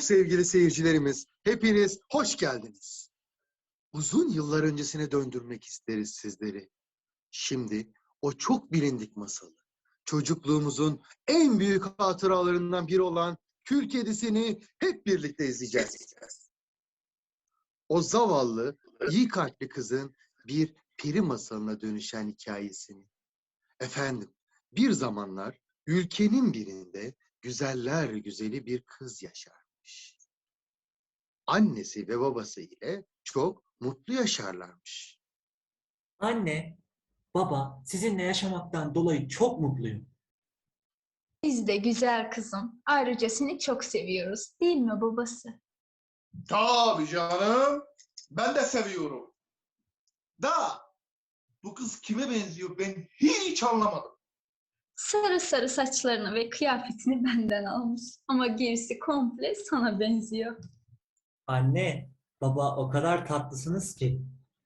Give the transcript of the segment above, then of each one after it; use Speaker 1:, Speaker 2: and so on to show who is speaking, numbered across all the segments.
Speaker 1: sevgili seyircilerimiz, hepiniz hoş geldiniz. Uzun yıllar öncesine döndürmek isteriz sizleri. Şimdi o çok bilindik masalı, çocukluğumuzun en büyük hatıralarından biri olan Kül Kedisi'ni hep birlikte izleyeceğiz. O zavallı, iyi kalpli kızın bir peri masalına dönüşen hikayesini. Efendim, bir zamanlar ülkenin birinde güzeller güzeli bir kız yaşarmış. Annesi ve babası ile çok mutlu yaşarlarmış.
Speaker 2: Anne, baba, sizinle yaşamaktan dolayı çok mutluyum.
Speaker 3: Biz de güzel kızım. Ayrıca seni çok seviyoruz. Değil mi babası?
Speaker 4: Tabii canım. Ben de seviyorum. Da bu kız kime benziyor ben hiç anlamadım.
Speaker 3: Sarı sarı saçlarını ve kıyafetini benden almış. Ama gerisi komple sana benziyor.
Speaker 2: Anne, baba o kadar tatlısınız ki.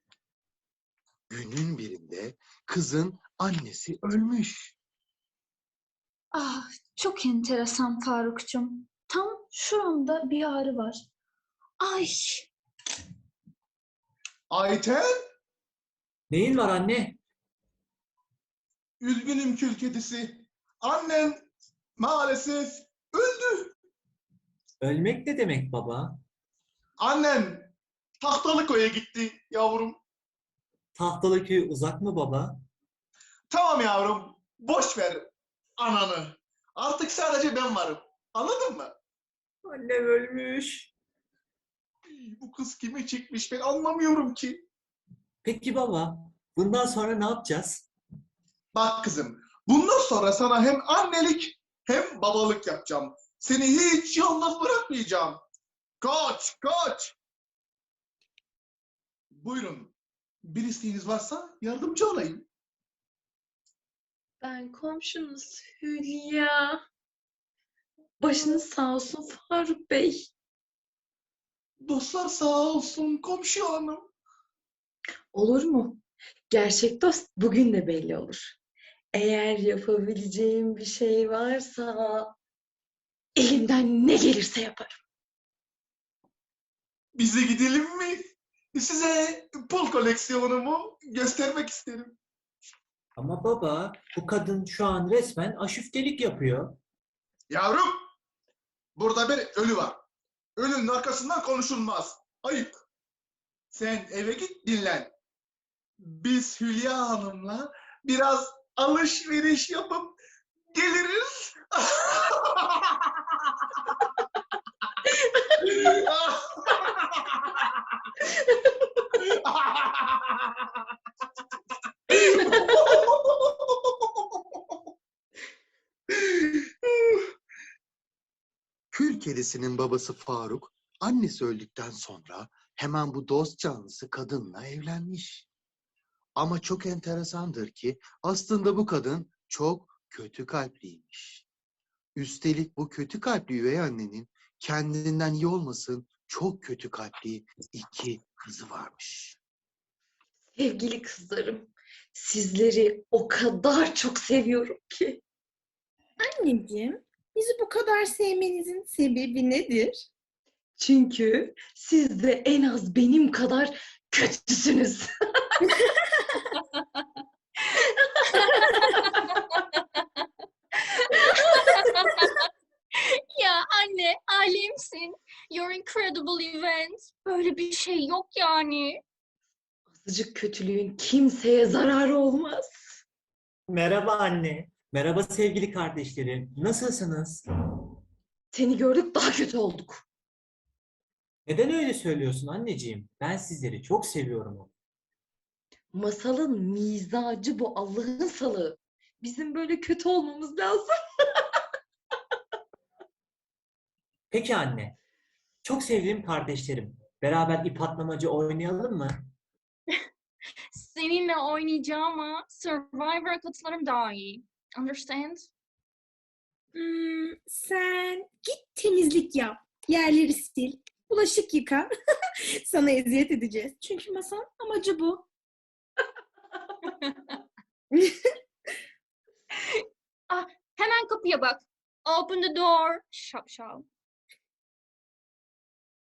Speaker 1: Günün birinde kızın annesi ölmüş.
Speaker 3: Ah, çok enteresan Farukcuğum. Tam şuramda bir ağrı var. Ay,
Speaker 4: Ayten,
Speaker 2: Neyin var anne?
Speaker 4: üzgünüm kül kedisi. Annen maalesef öldü.
Speaker 2: Ölmek ne demek baba?
Speaker 4: Annen Tahtalıköy'e gitti yavrum.
Speaker 2: Tahtalıköy uzak mı baba?
Speaker 4: Tamam yavrum, boş ver ananı. Artık sadece ben varım. Anladın mı?
Speaker 2: Annem ölmüş.
Speaker 4: Bu kız kime çekmiş ben anlamıyorum ki.
Speaker 2: Peki baba, bundan sonra ne yapacağız?
Speaker 4: Bak kızım, bundan sonra sana hem annelik hem babalık yapacağım. Seni hiç yalnız bırakmayacağım. Koç, koç. Buyurun. Bir isteğiniz varsa yardımcı olayım.
Speaker 5: Ben komşunuz Hülya. Başınız sağ olsun Faruk Bey.
Speaker 4: Dostlar sağ olsun komşu hanım.
Speaker 5: Olur mu? Gerçek dost bugün de belli olur. Eğer yapabileceğim bir şey varsa elimden ne gelirse yaparım.
Speaker 4: Bize gidelim mi? Size pul koleksiyonumu göstermek isterim.
Speaker 2: Ama baba, bu kadın şu an resmen aşüftelik yapıyor.
Speaker 4: Yavrum, burada bir ölü var. Ölünün arkasından konuşulmaz. Ayıp. Sen eve git dinlen. Biz Hülya Hanım'la biraz alışveriş yapıp geliriz.
Speaker 1: Kül Kedisi'nin babası Faruk, annesi öldükten sonra hemen bu dost canlısı kadınla evlenmiş. Ama çok enteresandır ki aslında bu kadın çok kötü kalpliymiş. Üstelik bu kötü kalpli üvey annenin kendinden iyi olmasın çok kötü kalpli iki kızı varmış.
Speaker 5: Sevgili kızlarım, sizleri o kadar çok seviyorum ki.
Speaker 6: Anneciğim, bizi bu kadar sevmenizin sebebi nedir?
Speaker 5: Çünkü siz de en az benim kadar kötüsünüz.
Speaker 7: Ya anne, alemsin. You're incredible event. Böyle bir şey yok yani.
Speaker 5: Azıcık kötülüğün kimseye zararı olmaz.
Speaker 2: Merhaba anne. Merhaba sevgili kardeşlerim. Nasılsınız?
Speaker 5: Seni gördük daha kötü olduk.
Speaker 2: Neden öyle söylüyorsun anneciğim? Ben sizleri çok seviyorum.
Speaker 5: Masalın mizacı bu Allah'ın salığı. Bizim böyle kötü olmamız lazım.
Speaker 2: Peki anne. Çok sevdiğim kardeşlerim. Beraber ip atlamacı oynayalım mı?
Speaker 7: Seninle oynayacağım ama Survivor'a katılırım daha iyi. Understand?
Speaker 6: Sen git temizlik yap, yerleri sil, bulaşık yıka. Sana eziyet edeceğiz. Çünkü masanın amacı bu.
Speaker 7: Ah, hemen kapıya bak. Open the door. Şapşal.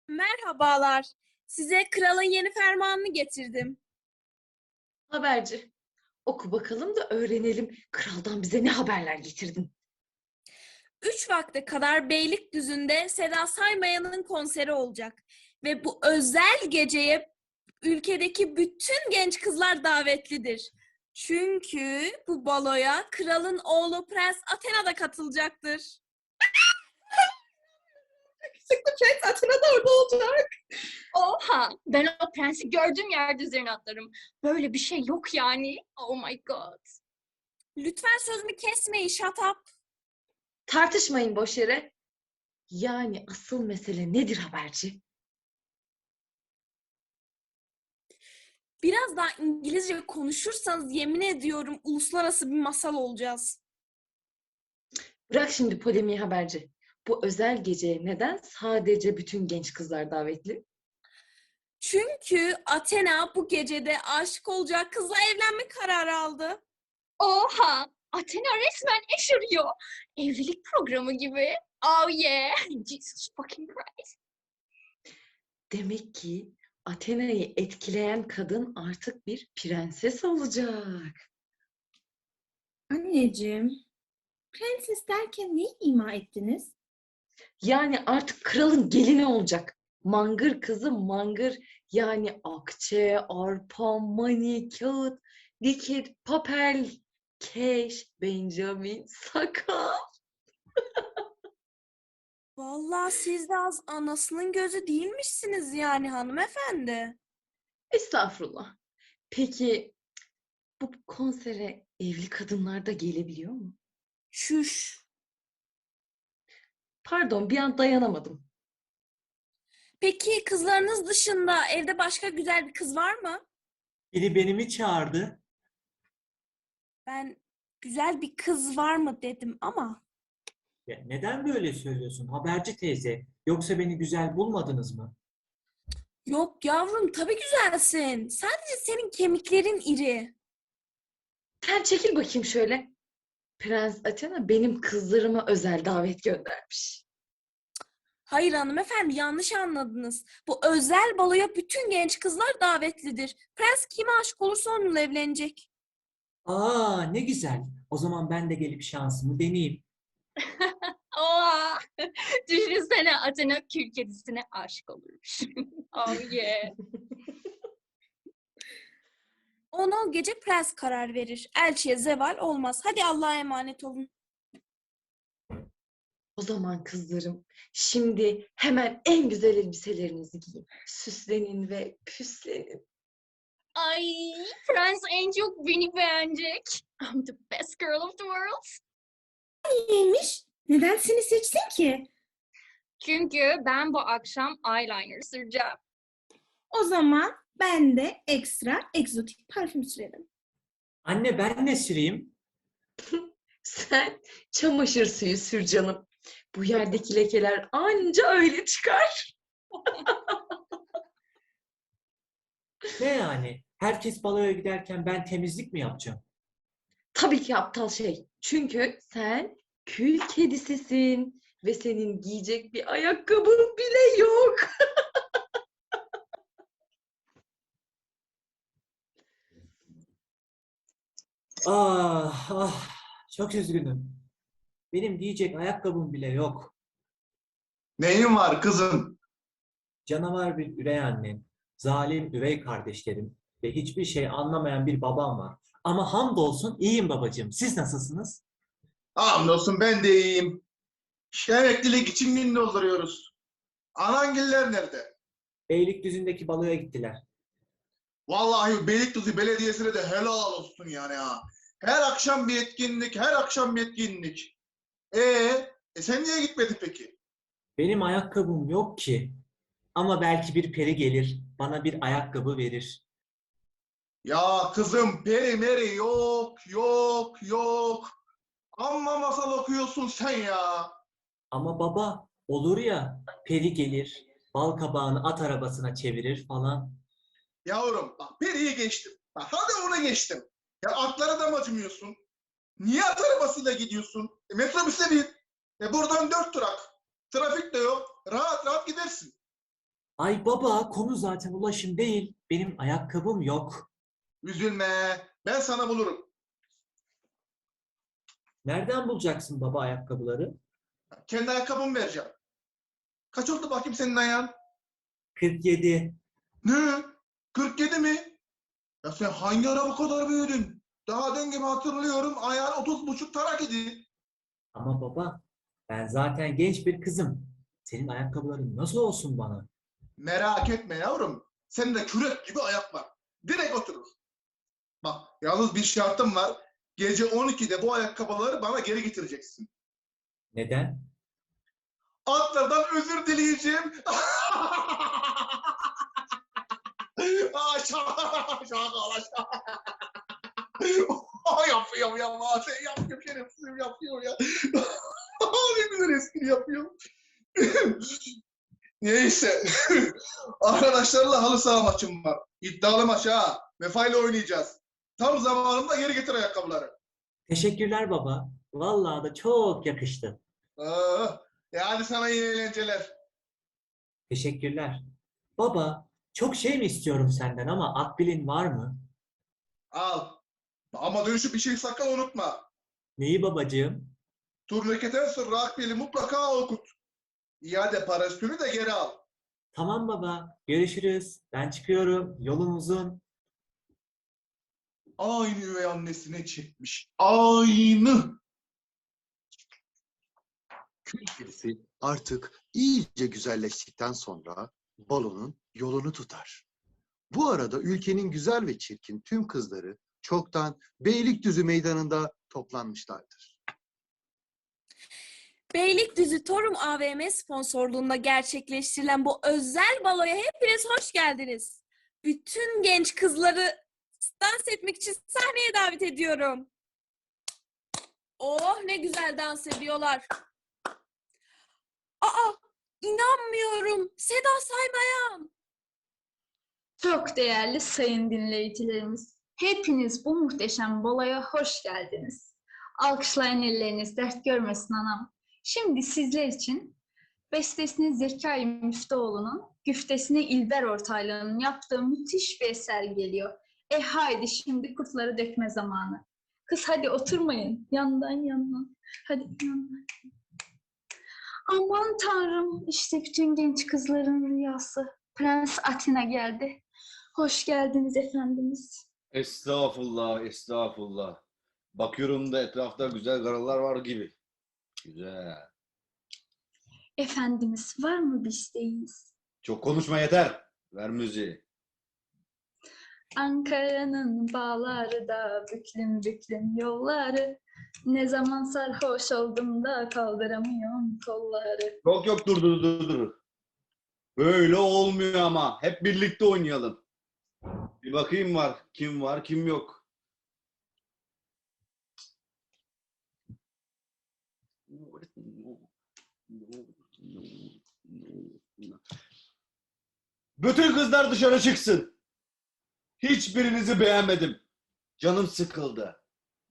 Speaker 6: Merhabalar. Size kralın yeni fermanını getirdim.
Speaker 5: Haberci. Oku bakalım da öğrenelim. Kraldan bize ne haberler getirdin?
Speaker 6: 3 vakte kadar Beylikdüzü'nde Seda Saymayan'ın konseri olacak. Ve bu özel geceye ülkedeki bütün genç kızlar davetlidir. Çünkü bu baloya kralın oğlu Prens Athena da katılacaktır.
Speaker 5: Yakışıklı Prens Athena da orada olacak.
Speaker 7: Oha! Ben o prensi gördüğüm yerde üzerine atlarım. Böyle bir şey yok yani. Oh my god.
Speaker 6: Lütfen sözümü kesmeyin, shut up.
Speaker 5: Tartışmayın boş yere. Yani asıl mesele nedir haberci?
Speaker 6: Biraz daha İngilizce konuşursanız yemin ediyorum uluslararası bir masal olacağız.
Speaker 5: Bırak şimdi polemiği haberci. Bu özel geceye neden sadece bütün genç kızlar davetli?
Speaker 6: Çünkü Athena bu gecede aşık olacak kızla evlenme kararı aldı.
Speaker 7: Oha! Athena resmen eş arıyor. Evlilik programı gibi. Oh yeah! Jesus fucking Christ.
Speaker 5: Demek ki Athena'yı etkileyen kadın artık bir prenses olacak.
Speaker 6: Anneciğim, prenses derken neyi ima ettiniz?
Speaker 5: Yani artık kralın gelini olacak. Mangır kızı mangır. Yani akçe, arpa, mani, kağıt, dikit, papel, keş, Benjamin, sakal.
Speaker 6: Vallahi siz de az anasının gözü değilmişsiniz yani hanımefendi.
Speaker 5: Estağfurullah. Peki bu konsere evli kadınlar da gelebiliyor mu?
Speaker 6: Şuş.
Speaker 5: Pardon, bir an dayanamadım.
Speaker 6: Peki kızlarınız dışında evde başka güzel bir kız var mı?
Speaker 2: Biri beni mi çağırdı?
Speaker 6: Ben güzel bir kız var mı dedim ama.
Speaker 2: Ya neden böyle söylüyorsun haberci teyze? Yoksa beni güzel bulmadınız mı?
Speaker 6: Yok yavrum tabii güzelsin. Sadece senin kemiklerin iri.
Speaker 5: Sen çekil bakayım şöyle. Prens Athena benim kızlarıma özel davet göndermiş.
Speaker 6: Hayır hanımefendi yanlış anladınız. Bu özel baloya bütün genç kızlar davetlidir. Prens kime aşık olursa onunla evlenecek.
Speaker 2: Aa ne güzel. O zaman ben de gelip şansımı deneyeyim.
Speaker 7: Oha! Düşünsene Athena kül kedisine aşık olurmuş. Oh yeah.
Speaker 6: Ona o gece prens karar verir. Elçiye zeval olmaz. Hadi Allah'a emanet olun.
Speaker 5: O zaman kızlarım, şimdi hemen en güzel elbiselerinizi giyin. Süslenin ve püslenin.
Speaker 7: Ay, Prens en çok beni beğenecek. I'm the best girl of the world.
Speaker 6: Neymiş? Neden seni seçsin ki?
Speaker 7: Çünkü ben bu akşam eyeliner süreceğim.
Speaker 6: O zaman ben de ekstra egzotik parfüm sürerim.
Speaker 2: Anne ben ne süreyim?
Speaker 5: Sen çamaşır suyu sür canım. Bu yerdeki lekeler anca öyle çıkar.
Speaker 2: Ne yani? Herkes baloya giderken ben temizlik mi yapacağım?
Speaker 5: Tabii ki aptal şey. Çünkü sen kül kedisisin ve senin giyecek bir ayakkabın bile yok.
Speaker 2: Ah ah çok üzgünüm. Benim giyecek ayakkabım bile yok.
Speaker 4: Neyin var kızım?
Speaker 2: Canavar bir üvey annem, zalim üvey kardeşlerim ve hiçbir şey anlamayan bir babam var. Ama hamdolsun iyiyim babacığım. Siz nasılsınız?
Speaker 4: Hamdolsun ben de iyiyim. İşte emeklilik için gün dolduruyoruz. Anangiller nerede?
Speaker 2: Beylikdüzü'ndeki baloya gittiler.
Speaker 4: Vallahi Beylikdüzü Belediyesi'ne de helal olsun yani ha. Her akşam bir etkinlik, her akşam bir etkinlik. Sen niye gitmedin peki?
Speaker 2: Benim ayakkabım yok ki. Ama belki bir peri gelir, bana bir ayakkabı verir.
Speaker 4: Ya kızım peri meri yok, yok, yok. Amma masal okuyorsun sen ya.
Speaker 2: Ama baba, olur ya, peri gelir, bal kabağını at arabasına çevirir falan.
Speaker 4: Yavrum bak periyi geçtim. Bak, hadi onu geçtim. Ya atlara da mı acımıyorsun? Niye at arabasıyla gidiyorsun? Metrobüse bin. Buradan 4 durak. Trafik de yok. Rahat rahat gidersin.
Speaker 2: Ay baba, konu zaten ulaşım değil. Benim ayakkabım yok.
Speaker 4: Üzülme. Ben sana bulurum.
Speaker 2: Nereden bulacaksın baba ayakkabıları?
Speaker 4: Kendi ayakkabımı vereceğim. Kaç oldu bakayım senin ayağın?
Speaker 2: 47.
Speaker 4: Ne? 47 mi? Ya sen hangi ara bu kadar büyüdün? Daha dün gibi hatırlıyorum ayağın 30,5 tarak idi.
Speaker 2: Ama baba, ben zaten genç bir kızım. Senin ayakkabıların nasıl olsun bana?
Speaker 4: Merak etme yavrum. Senin de kürek gibi ayak var. Direkt oturur. Bak yalnız bir şartım var. Gece 12'de bu ayakkabıları bana geri getireceksin.
Speaker 2: Neden?
Speaker 4: Atlardan özür dileyeceğim. Şaka. Yapıyorum ya. Sen yapıyorum şerefsizim yapıyor ya. Ne güzel espri yapıyor. Neyse. Arkadaşlarla halı saha maçım var. İddialı maç ha. Vefayla oynayacağız. Tam zamanında geri getir ayakkabıları.
Speaker 2: Teşekkürler baba. Vallahi da çok yakıştı.
Speaker 4: Yani sana iyi eğlenceler.
Speaker 2: Teşekkürler. Baba, çok şey mi istiyorum senden ama akbilin var mı?
Speaker 4: Al. Ama dönüşü bir şey sakın unutma.
Speaker 2: Neyi babacığım?
Speaker 4: Turniketen sonra akbili mutlaka okut. İade parasını de geri al.
Speaker 2: Tamam baba, görüşürüz. Ben çıkıyorum. Yolum uzun.
Speaker 4: Aynı üvey annesine çekmiş. Aynı.
Speaker 1: Kül kedisi artık iyice güzelleştikten sonra balonun yolunu tutar. Bu arada ülkenin güzel ve çirkin tüm kızları çoktan Beylikdüzü meydanında toplanmışlardır.
Speaker 6: Beylikdüzü Torum AVM sponsorluğunda gerçekleştirilen bu özel baloya hepiniz hoş geldiniz. Bütün genç kızları dans etmek için sahneye davet ediyorum. Oh ne güzel dans ediyorlar. Aa inanmıyorum. Seda Saymayan.
Speaker 3: Çok değerli sayın dinleyicilerimiz, hepiniz bu muhteşem baloya hoş geldiniz. Alkışlayın, elleriniz dert görmesin anam. Şimdi sizler için bestesini Zekai Müftüoğlu'nun, güftesini İlber Ortaylı'nın yaptığı müthiş bir eser geliyor. Haydi şimdi kurtları dökme zamanı. Kız hadi oturmayın, yandan. Hadi yandan. Aman tanrım, işte bütün genç kızların rüyası. Prens Atina geldi. Hoş geldiniz efendimiz.
Speaker 8: Estağfurullah, estağfurullah. Bakıyorum da etrafta güzel karılar var gibi. Güzel.
Speaker 3: Efendimiz var mı bir isteğiniz?
Speaker 8: Çok konuşma yeter. Ver müziği.
Speaker 3: Ankara'nın bağları da büklüm yolları. Ne zaman sarhoş oldum da kaldıramıyorum kolları.
Speaker 8: Yok dur. Böyle olmuyor ama. Hep birlikte oynayalım. Bir bakayım var, kim yok. Bütün kızlar dışarı çıksın. Hiçbirinizi beğenmedim. Canım sıkıldı.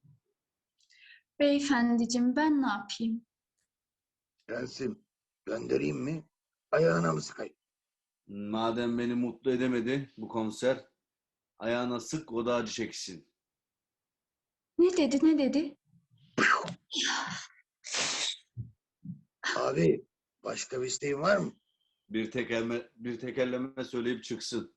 Speaker 3: Beyefendicim ben ne yapayım?
Speaker 9: Prensim, göndereyim mi? Ayağına mı sıkayım?
Speaker 8: Madem beni mutlu edemedi bu konser, ayağına sık, o da acı çeksin.
Speaker 3: Ne dedi?
Speaker 9: Abi, başka bir isteğin var mı?
Speaker 8: Bir tekerleme söyleyip çıksın.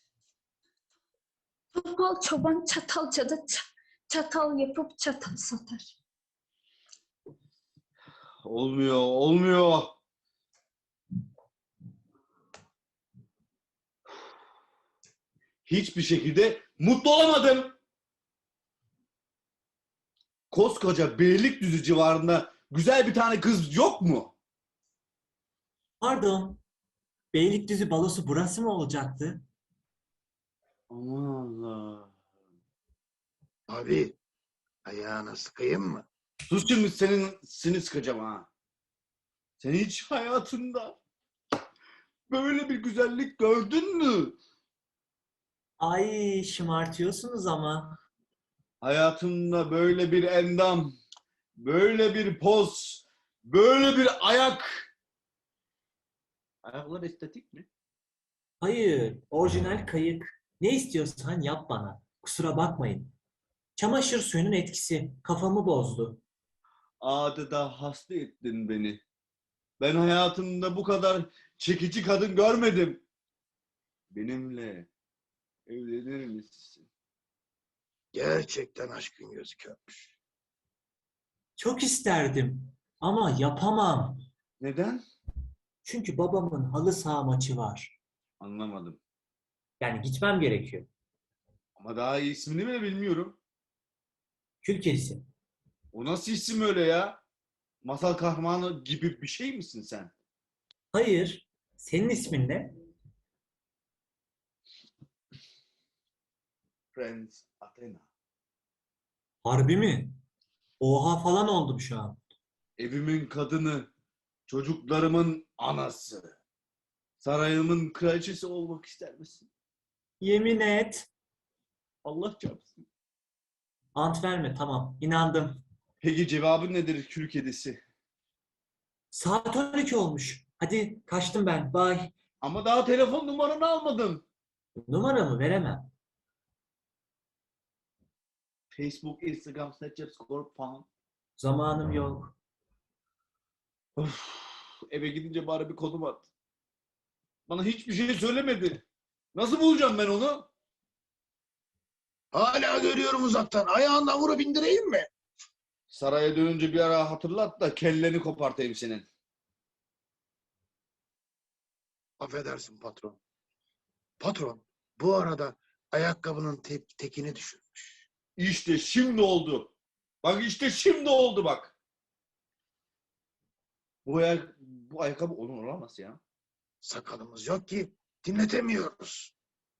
Speaker 3: Topal çoban çatalcada çatal yapıp çatal satar.
Speaker 8: Olmuyor. Hiçbir şekilde mutlu olamadım. Koskoca Beylikdüzü civarında güzel bir tane kız yok mu?
Speaker 2: Pardon. Beylikdüzü balosu burası mı olacaktı?
Speaker 8: Aman Allah.
Speaker 9: Abi, ayağına sıkayım mı?
Speaker 8: Sus şimdi, seni sıkacağım ha. Sen hiç hayatında böyle bir güzellik gördün mü?
Speaker 2: Ay şımartıyorsunuz ama.
Speaker 8: Hayatımda böyle bir endam, böyle bir poz, böyle bir ayak. Ayaklar estetik mi?
Speaker 2: Hayır, orijinal kayık. Ne istiyorsan yap bana. Kusura bakmayın. Çamaşır suyunun etkisi kafamı bozdu.
Speaker 8: Adeta hasta ettin beni. Ben hayatımda bu kadar çekici kadın görmedim. Benimle evlenir misin?
Speaker 9: Gerçekten aşkın gözü körmüş.
Speaker 2: Çok isterdim ama yapamam.
Speaker 8: Neden?
Speaker 2: Çünkü babamın halı saha maçı var.
Speaker 8: Anlamadım.
Speaker 2: Yani gitmem gerekiyor.
Speaker 8: Ama daha iyi ismini bile bilmiyorum.
Speaker 2: Kül kedisi.
Speaker 8: O nasıl isim öyle ya? Masal kahramanı gibi bir şey misin sen?
Speaker 2: Hayır, senin ismin ne?
Speaker 8: Prens Athena.
Speaker 2: Harbi mi? Oha falan oldum şu an.
Speaker 8: Evimin kadını, çocuklarımın anası. Sarayımın kraliçesi olmak ister misin?
Speaker 2: Yemin et.
Speaker 8: Allah çarpsın.
Speaker 2: Ant verme, tamam. İnandım.
Speaker 8: Peki cevabın nedir kül kedisi?
Speaker 2: Saat 12 olmuş. Hadi kaçtım ben. Bye.
Speaker 8: Ama daha telefon numaranı almadın.
Speaker 2: Numaramı veremem.
Speaker 8: Facebook, Instagram, Snapchat, Score falan.
Speaker 2: Zamanım yok.
Speaker 8: Of, eve gidince bari bir konum at. Bana hiçbir şey söylemedi. Nasıl bulacağım ben onu?
Speaker 9: Hala görüyorum uzaktan. Ayağından vurup indireyim mi?
Speaker 8: Saraya dönünce bir ara hatırlat da kelleni kopartayım senin.
Speaker 9: Affedersin patron. Patron, bu arada ayakkabının tekini düşürmüş.
Speaker 8: İşte şimdi oldu. Bak işte şimdi oldu bak. Bu ayakkabı onun olamaz ya.
Speaker 9: Sakalımız yok ki dinletemiyoruz.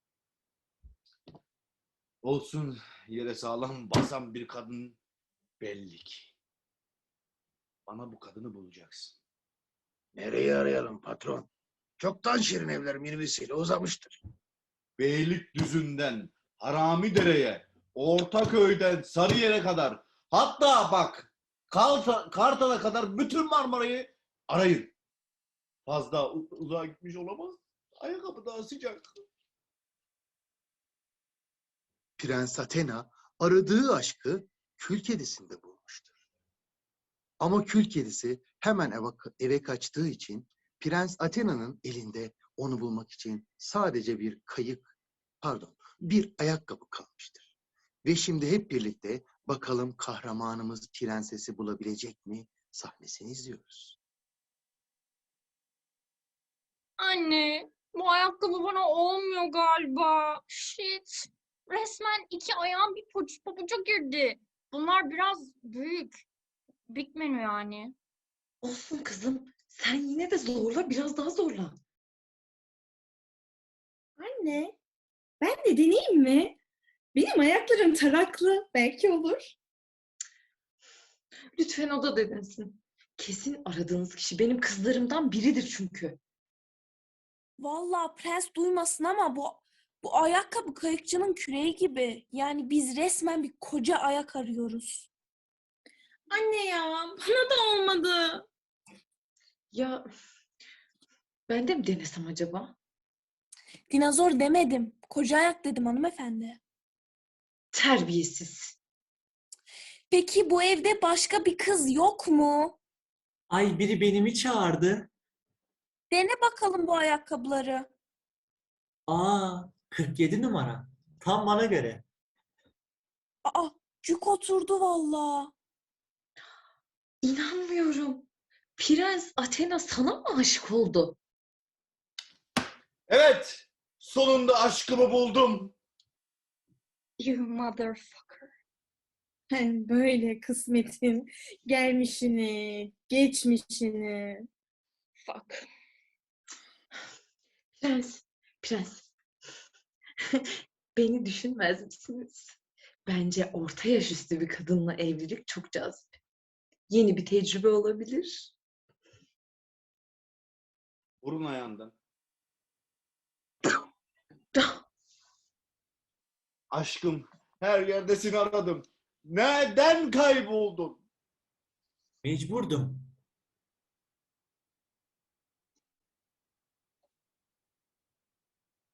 Speaker 8: Olsun, yere sağlam basan bir kadın belli ki. Bana bu kadını bulacaksın.
Speaker 9: Nereye arayalım patron? Çoktan şirin evler minibüsüyle uzamıştır.
Speaker 8: Beylikdüzü'nden Haramidere'ye, Ortaköy'den Sarıyer'e kadar, hatta bak Kartal'a kadar bütün Marmara'yı arayın. Fazla uzağa gitmiş olamaz. Ayakkabı daha sıcak.
Speaker 1: Prens Athena aradığı aşkı kül kedisinde bulmuştur. Ama kül kedisi hemen eve kaçtığı için Prens Athena'nın elinde onu bulmak için sadece bir ayakkabı kalmıştır. Ve şimdi hep birlikte bakalım kahramanımız prensesi bulabilecek mi sahnesini izliyoruz.
Speaker 7: Anne, bu ayakkabı bana olmuyor galiba. Shit. Resmen iki ayağım bir pabuca girdi. Bunlar biraz büyük. Big menü yani.
Speaker 5: Olsun kızım. Sen yine de zorla, biraz daha zorla.
Speaker 6: Anne, ben de deneyeyim mi? Benim ayaklarım taraklı. Belki olur.
Speaker 5: Lütfen o da denesin. Kesin aradığınız kişi benim kızlarımdan biridir çünkü.
Speaker 6: Vallahi prens duymasın ama bu ayakkabı kayıkçının küreği gibi. Yani biz resmen bir koca ayak arıyoruz. Anne ya, bana da olmadı.
Speaker 5: Ya ben de mi denesem acaba?
Speaker 6: Dinozor demedim. Koca ayak dedim hanımefendi.
Speaker 5: Terbiyesiz.
Speaker 6: Peki bu evde başka bir kız yok mu?
Speaker 2: Ay biri beni mi çağırdı?
Speaker 6: Dene bakalım bu ayakkabıları.
Speaker 2: Aa, 47 numara. Tam bana göre.
Speaker 6: Aa, cuk oturdu vallahi.
Speaker 5: İnanmıyorum. Prens Athena sana mı aşık oldu?
Speaker 8: Evet, sonunda aşkımı buldum.
Speaker 7: You motherfucker.
Speaker 6: Böyle kısmetin gelmişini, geçmişini.
Speaker 7: Fuck.
Speaker 5: Prens. Beni düşünmez misiniz? Bence orta yaş üstü bir kadınla evlilik çok cazip. Yeni bir tecrübe olabilir.
Speaker 8: Vurun ayağından. Aşkım, her yerde seni aradım. Neden kayboldun?
Speaker 2: Mecburdum.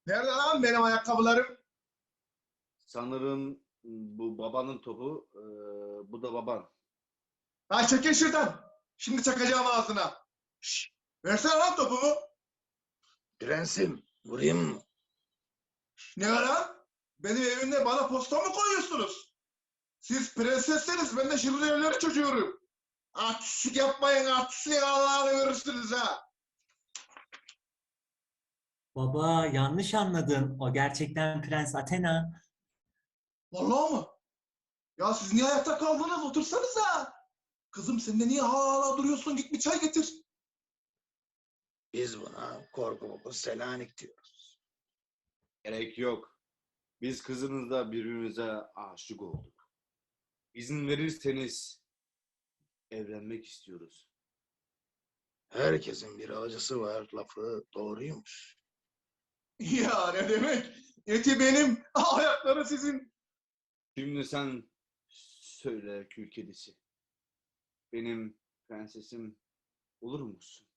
Speaker 4: Nerede lan benim ayakkabılarım?
Speaker 8: Sanırım bu babanın topu, bu da baban.
Speaker 4: Ha çekil şuradan. Şimdi çakacağım ağzına. Şşş. Versene lan topumu.
Speaker 9: Prensim, vurayım mı?
Speaker 4: Ne var lan? Benim evimde bana posta mı koyuyorsunuz? Siz prensesseniz ben de şirinleri çocuğum. Artistlik yapmayın, artistlik Allah'ını görürsünüz ha.
Speaker 2: Baba yanlış anladın. O gerçekten Prens Athena.
Speaker 4: Vallahi mı? Ya siz niye ayakta kaldınız? Otursanıza. Kızım sen de niye hala duruyorsun? Git bir çay getir.
Speaker 9: Biz buna korku Selanik diyoruz.
Speaker 8: Gerek yok. Biz kızınızla birbirimize aşık olduk. İzin verirseniz evlenmek istiyoruz.
Speaker 9: Herkesin bir acısı var lafı doğruymuş.
Speaker 4: Ya ne demek? Eti benim, ayakları sizin.
Speaker 8: Şimdi sen söyle kül kedisi. Benim prensesim olur musun?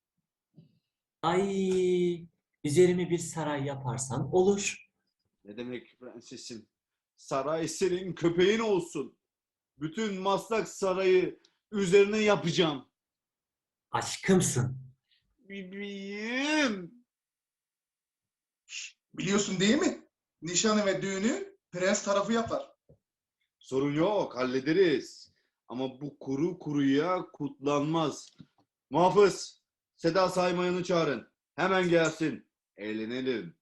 Speaker 2: Ay, üzerime bir saray yaparsan olur.
Speaker 8: Ne demek prensesim? Saray senin köpeğin olsun. Bütün Maslak Sarayı üzerine yapacağım.
Speaker 2: Aşkımsın.
Speaker 8: Bebeğim.
Speaker 4: Biliyorsun değil mi? Nişanı ve düğünü prens tarafı yapar.
Speaker 8: Sorun yok, hallederiz. Ama bu kuru kuruya kutlanmaz. Muhafız, Seda Saymayan'ı çağırın. Hemen gelsin. Eğlenelim.